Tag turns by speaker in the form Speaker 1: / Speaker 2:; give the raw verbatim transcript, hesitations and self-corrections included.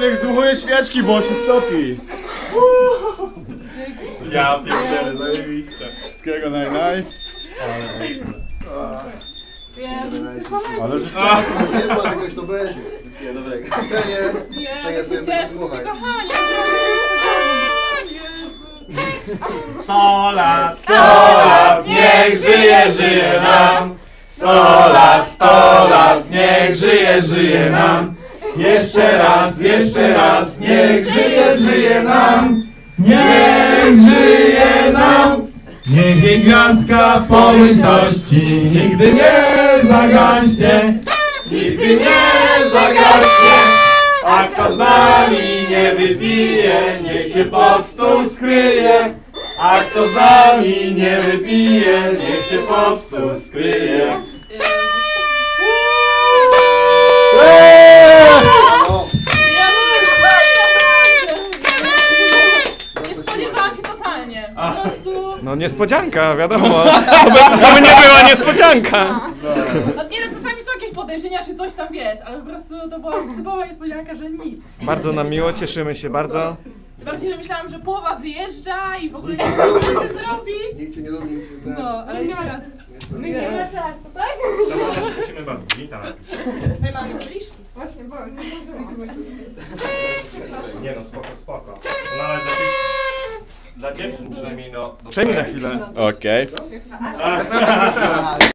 Speaker 1: niech zdmuchuje świeczki, bo się stopi.
Speaker 2: Ja pierdolę, zajebiście.
Speaker 1: Wszystkiego naj naj. Ale że
Speaker 3: Nie było czegoś, to będzie.
Speaker 4: Wszystkiego dobrego.
Speaker 3: Cenię. Cenię
Speaker 5: Jezu,
Speaker 3: sobie
Speaker 5: cieszę
Speaker 3: słuchaj.
Speaker 5: się, kochani.
Speaker 2: Sto lat, sto lat, niech żyje, żyje nam. Sto lat, sto lat, niech żyje, żyje nam. Jeszcze raz, jeszcze raz, niech żyje, żyje nam. Niech żyje nam. Niech jej gwiazdka pomyślności nigdy nie zagaśnie. Nigdy nie zagaśnie. A kto z nami nie wypije, niech się pod stół skryje. A kto z nami nie wypije, niech się pod stół skryje.
Speaker 5: Nie spodziewałam się totalnie. Po prostu...
Speaker 6: No niespodzianka, wiadomo. To by, to by nie była niespodzianka.
Speaker 5: No nie wiem, czasami są jakieś podejrzenia czy coś tam, wiesz, ale po prostu to była typowa niespodzianka, że nic.
Speaker 6: Bardzo nam miło, cieszymy się bardzo.
Speaker 5: Bardziej, że myślałam, że połowa wyjeżdża i w ogóle nie wiem, co chcę zrobić.
Speaker 3: Nikt cię nie lubi, nikt cię nie
Speaker 5: No, ale jeszcze raz.
Speaker 7: My nie ma czasu, tak?
Speaker 2: Musimy was gwita najpierw.
Speaker 5: Hej, mamy byliś?
Speaker 7: Właśnie, bo nie zdążyłam.
Speaker 2: Nie no, spoko, spoko. No ale dla tych... Dla dziewczyn przynajmniej no...
Speaker 6: Przejmij na chwilę.
Speaker 1: Okej.
Speaker 3: lubi.